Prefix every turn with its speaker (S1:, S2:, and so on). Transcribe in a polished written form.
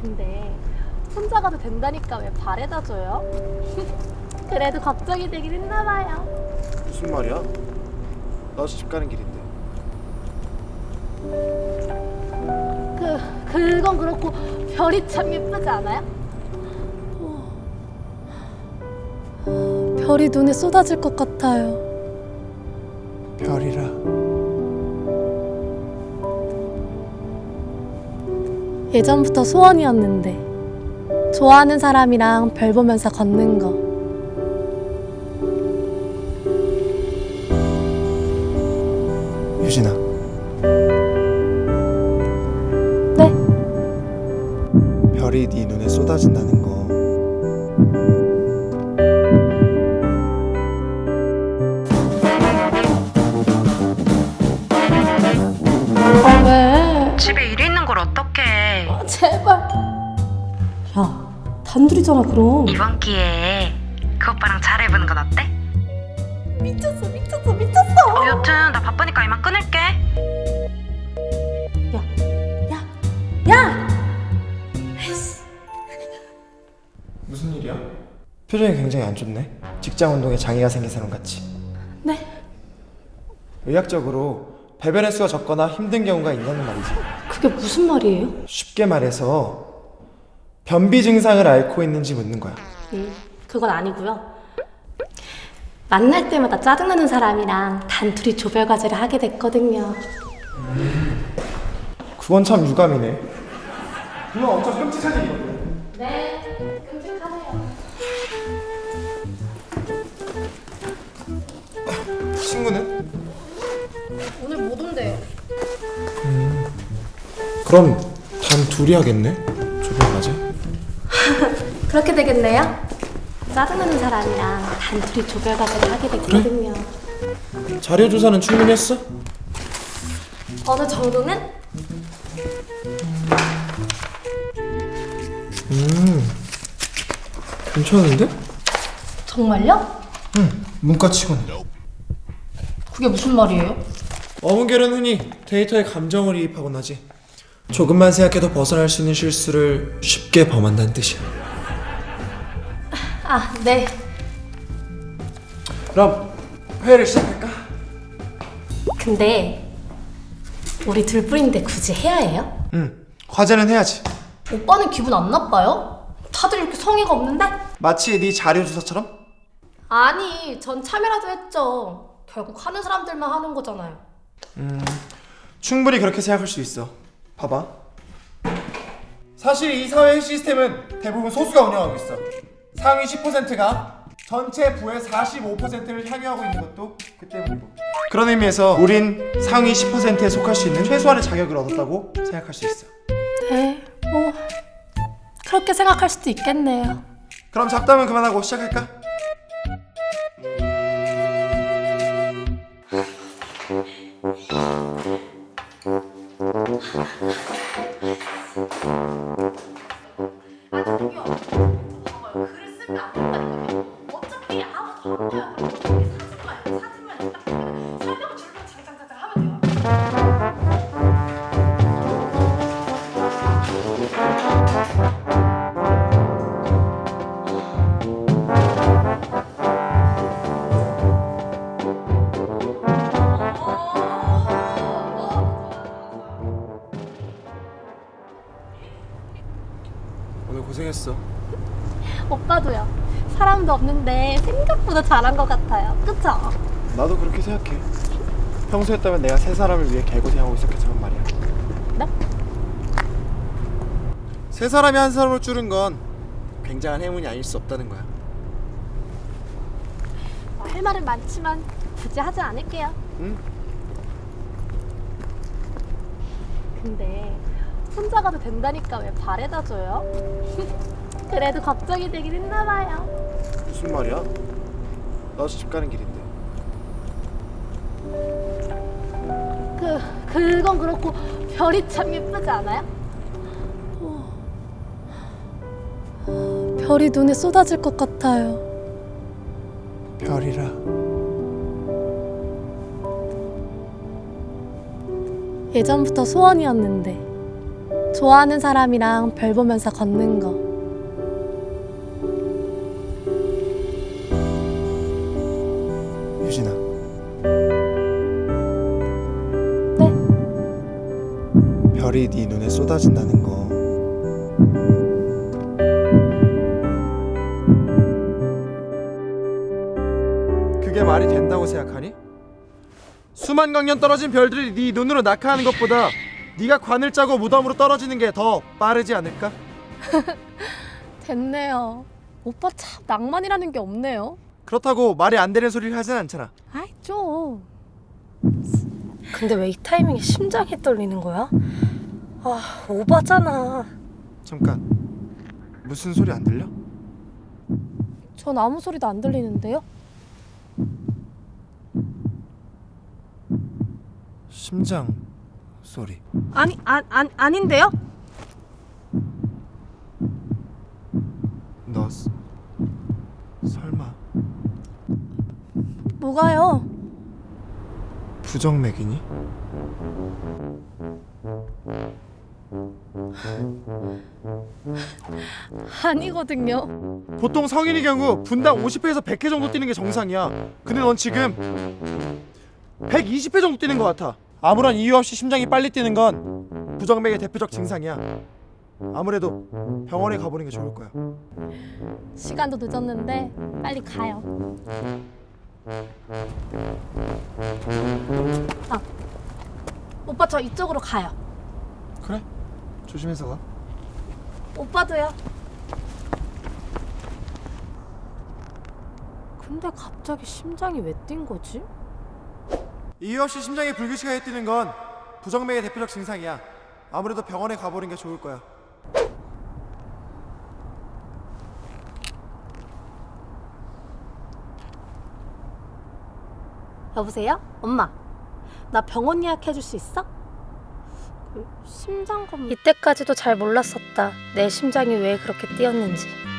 S1: 근데 혼자 가도 된다니까 왜 발에다 줘요? 그래도 걱정이 되긴 했나봐요.
S2: 무슨 말이야? 나 집 가는 길인데.
S1: 그건 그렇고 별이 참 예쁘지 않아요? 별이 눈에 쏟아질 것 같아요.
S2: 별이라.
S1: 예전부터 소원이었는데 좋아하는 사람이랑 별 보면서 걷는 거.
S2: 유진아.
S1: 네?
S2: 별이 네 눈에 쏟아진다는 거
S1: 왜?
S3: 집에 일이 있는 걸 어떡해.
S1: 제발. 야, 단둘이잖아 그럼.
S3: 이번 기회에 그 오빠랑 잘해보는 건 어때?
S1: 미쳤어.
S3: 여튼 나 바쁘니까 이만 끊을게.
S1: 야!
S2: 무슨 일이야? 표정이 굉장히 안 좋네. 직장 운동에 장애가 생긴 사람 같이.
S1: 네?
S2: 의학적으로 배변 횟수가 적거나 힘든 경우가 있냐는 말이지.
S1: 그게 무슨 말이에요?
S2: 쉽게 말해서 변비 증상을 앓고 있는지 묻는 거야.
S1: 그건 아니고요. 만날 때마다 짜증나는 사람이랑 단둘이 조별 과제를 하게 됐거든요.
S2: 그건 참 유감이네. 그건 엄청 끔찍한 일이거든.
S1: 네, 끔찍하네요.
S2: 친구는?
S1: 오늘 못 온대요.
S2: 그럼 단 둘이 하겠네? 조별 과제?
S1: 그렇게 되겠네요. 짜증나는 사람이랑 단둘이 조별 과제를 하게 됐거든요.
S2: 자료 조사는 충분히 했어?
S1: 어느 정도는?
S2: 괜찮은데?
S1: 정말요?
S2: 응, 문과치고는.
S1: 그게 무슨 말이에요?
S2: 어문결은 흔히 데이터에 감정을 이입하곤 하지. 조금만 생각해도 벗어날 수 있는 실수를 쉽게 범한다는 뜻이야.
S1: 아, 네.
S2: 그럼 회의를 시작할까?
S1: 근데 우리 둘뿐인데 굳이 해야 해요?
S2: 응, 과제는 해야지.
S1: 오빠는 기분 안 나빠요? 다들 이렇게 성의가 없는데?
S2: 마치 네 자료 조사처럼?
S1: 아니, 전 참여라도 했죠. 결국 하는 사람들만 하는 거잖아요.
S2: 충분히 그렇게 생각할 수 있어. 봐봐. 사실 이 사회 시스템은 대부분 소수가 운영하고 있어. 상위 10%가 전체 부의 45%를 향유하고 있는 것도 그 때문이고. 그런 의미에서 우린 상위 10%에 속할 수 있는 최소한의 자격을 얻었다고 생각할 수 있어.
S1: 네, 뭐 그렇게 생각할 수도 있겠네요.
S2: 그럼 잡담은 그만하고 시작할까?
S1: 어차피 아무도 안 돼요. 사진만 딱 설명을 줄로 장장장장 하면 돼요.
S2: 오늘 고생했어.
S1: 오빠도요. 사람도 없는데 생각보다 잘한 것 같아요. 그쵸?
S2: 나도 그렇게 생각해. 평소였다면 내가 세 사람을 위해 개고생하고 있었겠지만 말이야.
S1: 네?
S2: 세 사람이 한 사람을 줄은 건 굉장한 행운이 아닐 수 없다는 거야.
S1: 할 말은 많지만 굳이 하지 않을게요.
S2: 응?
S1: 근데 혼자 가도 된다니까 왜 발에다 줘요? 그래도 걱정이 되긴 했나봐요.
S2: 무슨 말이야? 나 집 가는 길인데.
S1: 그건 그렇고 별이 참 예쁘지 않아요? 별이 눈에 쏟아질 것 같아요.
S2: 별이라.
S1: 예전부터 소원이었는데 좋아하는 사람이랑 별 보면서 걷는 거.
S2: 유진아.
S1: 네?
S2: 별이 네 눈에 쏟아진다는 거 그게 말이 된다고 생각하니? 수만 광년 떨어진 별들이 네 눈으로 낙하하는 것보다 네가 관을 짜고 무덤으로 떨어지는 게 더 빠르지 않을까?
S1: 됐네요. 오빠 참 낭만이라는 게 없네요.
S2: 그렇다고 말이 안 되는 소리를 하진 않잖아.
S1: 아이 좀. 근데 왜 이 타이밍에 심장이 떨리는 거야? 아 오바잖아.
S2: 잠깐, 무슨 소리 안 들려?
S1: 전 아무 소리도 안 들리는데요?
S2: 심장 소리.
S1: 아닌데요?
S2: 너 설마
S1: 뭐가요?
S2: 부정맥이니?
S1: 아니거든요.
S2: 보통 성인의 경우 분당 50회에서 100회 정도 뛰는 게 정상이야. 근데 넌 지금 120회 정도 뛰는 것 같아. 아무런 이유 없이 심장이 빨리 뛰는 건 부정맥의 대표적 증상이야. 아무래도 병원에 가보는 게 좋을 거야.
S1: 시간도 늦었는데 빨리 가요. 아, 오빠 저 이쪽으로 가요.
S2: 그래? 조심해서 가.
S1: 오빠도요. 근데 갑자기 심장이 왜 뛴 거지?
S2: 이유 없이 심장이 불규칙하게 뛰는 건 부정맥의 대표적 증상이야. 아무래도 병원에 가보는 게 좋을 거야.
S1: 여보세요? 엄마, 나 병원 예약해줄 수 있어? 심장검... 이때까지도 잘 몰랐었다. 내 심장이 왜 그렇게 뛰었는지.